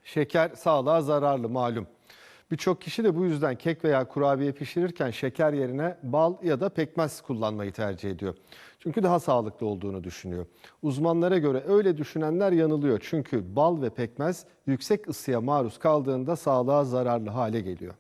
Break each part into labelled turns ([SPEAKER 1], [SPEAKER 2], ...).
[SPEAKER 1] Şeker sağlığa zararlı malum. Birçok kişi de bu yüzden kek veya kurabiye pişirirken şeker yerine bal ya da pekmez kullanmayı tercih ediyor. Çünkü daha sağlıklı olduğunu düşünüyor. Uzmanlara göre öyle düşünenler yanılıyor. Çünkü bal ve pekmez yüksek ısıya maruz kaldığında sağlığa zararlı hale geliyor.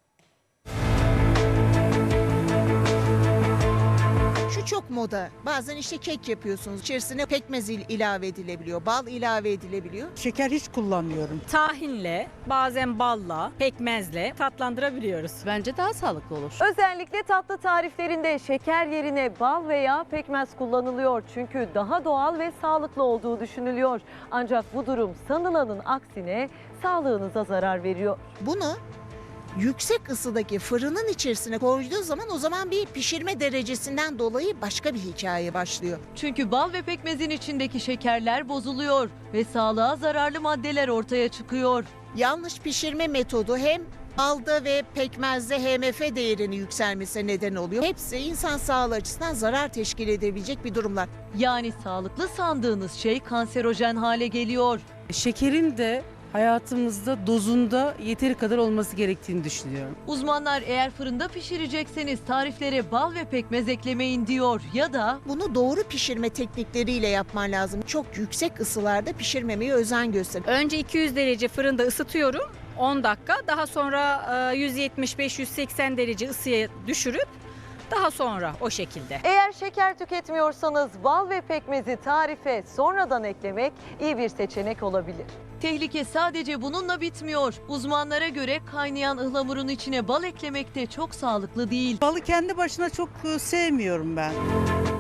[SPEAKER 2] Çok moda. Bazen işte kek yapıyorsunuz. İçerisine pekmez ilave edilebiliyor, bal ilave edilebiliyor.
[SPEAKER 3] Şeker hiç kullanmıyorum.
[SPEAKER 4] Tahinle, bazen balla, pekmezle tatlandırabiliyoruz.
[SPEAKER 5] Bence daha sağlıklı olur.
[SPEAKER 6] Özellikle tatlı tariflerinde şeker yerine bal veya pekmez kullanılıyor. Çünkü daha doğal ve sağlıklı olduğu düşünülüyor. Ancak bu durum sanılanın aksine sağlığınıza zarar veriyor.
[SPEAKER 2] Bunu yüksek ısıdaki fırının içerisine koyduğu zaman o zaman bir pişirme derecesinden dolayı başka bir hikaye başlıyor.
[SPEAKER 6] Çünkü bal ve pekmezin içindeki şekerler bozuluyor ve sağlığa zararlı maddeler ortaya çıkıyor.
[SPEAKER 2] Yanlış pişirme metodu hem balda ve pekmezde HMF değerinin yükselmesine neden oluyor. Hepsi insan sağlığı açısından zarar teşkil edebilecek bir durumlar.
[SPEAKER 6] Yani sağlıklı sandığınız şey kanserojen hale geliyor.
[SPEAKER 3] Şekerin de hayatımızda dozunda yeteri kadar olması gerektiğini düşünüyorum.
[SPEAKER 6] Uzmanlar eğer fırında pişirecekseniz tariflere bal ve pekmez eklemeyin diyor ya da
[SPEAKER 2] Bunu doğru pişirme teknikleriyle yapman lazım. Çok yüksek ısılarda pişirmemeye özen göster.
[SPEAKER 4] Önce 200 derece fırında ısıtıyorum 10 dakika. Daha sonra 175-180 derece ısıya düşürüp daha sonra o şekilde.
[SPEAKER 6] eğer şeker tüketmiyorsanız bal ve pekmezi tarife sonradan eklemek iyi bir seçenek olabilir. Tehlike sadece bununla bitmiyor. Uzmanlara göre kaynayan ıhlamurun içine bal eklemek de çok sağlıklı değil.
[SPEAKER 3] Balı kendi başına çok sevmiyorum ben.